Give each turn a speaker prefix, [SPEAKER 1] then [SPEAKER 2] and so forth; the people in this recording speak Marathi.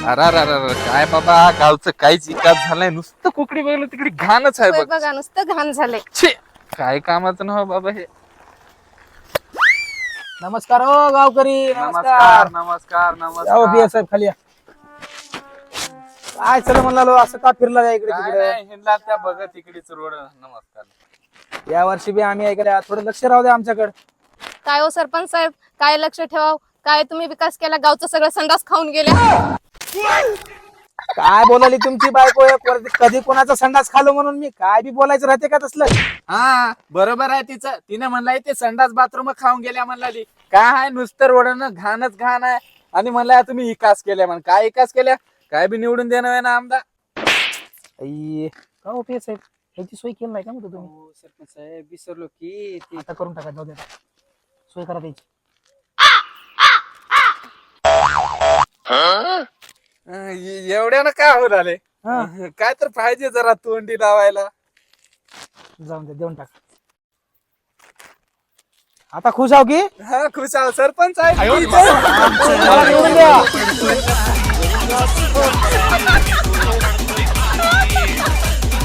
[SPEAKER 1] अरे अरे अरे अरे, काय बाबा गावचं काहीच विकास झालाय, नुसतं कुकडी बघलं तिकडे घाणच आहे
[SPEAKER 2] होय
[SPEAKER 1] बघ.
[SPEAKER 2] बघा नुसतं घाण झालंय.
[SPEAKER 1] छे, काय कामाचं ना हो बाबा हे.
[SPEAKER 3] नमस्कार हो गावकरी.
[SPEAKER 1] नमस्कार नमस्कार
[SPEAKER 3] या
[SPEAKER 1] नमस्कार.
[SPEAKER 3] साहेब खाली या. काय चला म्हणला असं का फिरला का इकडे
[SPEAKER 1] काय
[SPEAKER 3] तिकडे?
[SPEAKER 1] नाही, हिंडला त्या बघत तिकडेच रोड. नमस्कार.
[SPEAKER 3] या वर्षी बी आम्ही ऐकल्या थोडं लक्ष राहू द्या आमच्याकडे.
[SPEAKER 2] काय हो सरपंच साहेब, काय लक्ष ठेवाव? काय तुम्ही विकास केला, गावचं सगळं संडास खाऊन गेल्या.
[SPEAKER 3] काय बोलाली तुमची बायको कधी कोणाचा संडास खालो म्हणून मी काय बी बोलायचं राहते का तसलं?
[SPEAKER 1] हा बरोबर आहे तिचं. तिने म्हणलाय ते संडास बाथरूम खाऊन गेल्या म्हणला. काय आहे नुसतं रोडनं घाणच घाण आहे. आणि म्हणलाय तुम्ही विकास केल्या म्हण. काय विकास केल्या? काय बी निवडून देणं आहे ना आमदार.
[SPEAKER 3] आई, का हो पे साहेब ह्याची सोय केली नाही का म्हणतो तुम्ही?
[SPEAKER 4] सरपंच साहेब विसरलो की ते
[SPEAKER 3] आता करून टाका, जाऊ द्या. सोय करा त्याची.
[SPEAKER 1] एवढ्यानं काय होत आले?
[SPEAKER 3] हा.
[SPEAKER 1] काय तर पाहिजे जरा तोंडी लावायला.
[SPEAKER 3] जाऊन द्या, देऊन टाका. आता खुश आहो की?
[SPEAKER 1] हा खुश आहो सरपंच आहे.
[SPEAKER 3] मला निवडून द्या.